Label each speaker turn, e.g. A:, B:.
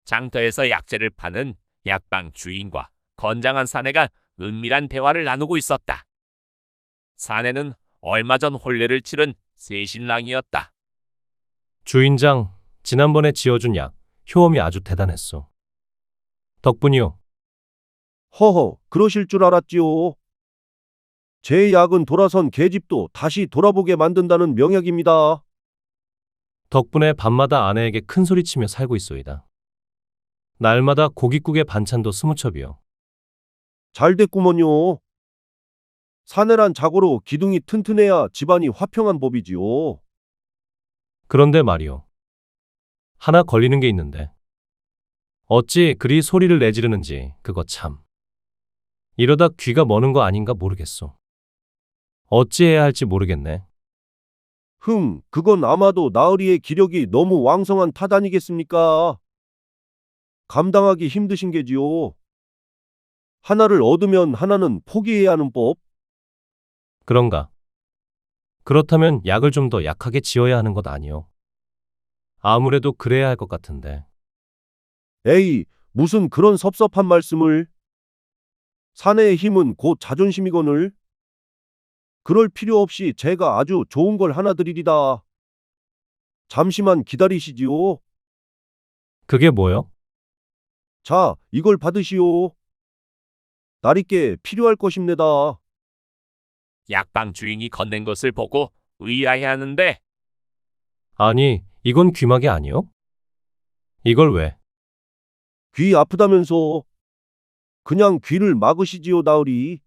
A: 장터에서 약재를 파는 약방 주인과 건장한 사내가 은밀한 대화를 나누고 있었다. 사내는 얼마 전 혼례를 치른 새신랑이었다.
B: 주인장, 지난번에 지어준 약, 효험이 아주 대단했어. 덕분이요.
C: 허허, 그러실 줄 알았지요. 제 약은 돌아선 계집도 다시 돌아보게 만든다는 명약입니다.
B: 덕분에 밤마다 아내에게 큰 소리치며 살고 있소이다. 날마다 고깃국에 반찬도 20첩이요.
C: 잘 됐구먼요. 사내란 자고로 기둥이 튼튼해야 집안이 화평한 법이지요.
B: 그런데 말이요. 하나 걸리는 게 있는데. 어찌 그리 소리를 내지르는지 그거 참. 이러다 귀가 머는 거 아닌가 모르겠소. 어찌 해야 할지 모르겠네.
C: 그건 아마도 나으리의 기력이 너무 왕성한 탓 아니겠습니까? 감당하기 힘드신 게지요. 하나를 얻으면 하나는 포기해야 하는 법.
B: 그런가? 그렇다면 약을 좀 더 약하게 지어야 하는 것 아니요? 아무래도 그래야 할 것 같은데.
C: 에이, 무슨 그런 섭섭한 말씀을. 사내의 힘은 곧 자존심이거늘. 그럴 필요 없이 제가 아주 좋은 걸 하나 드리리다. 잠시만 기다리시지요.
B: 그게 뭐요?
C: 자, 이걸 받으시오. 나리께 필요할 것입니다.
A: 약방 주인이 건넨 것을 보고 의아해하는데
B: 아니, 이건 귀마개 아니요? 이걸 왜?
C: 귀 아프다면서. 그냥 귀를 막으시지요, 나으리.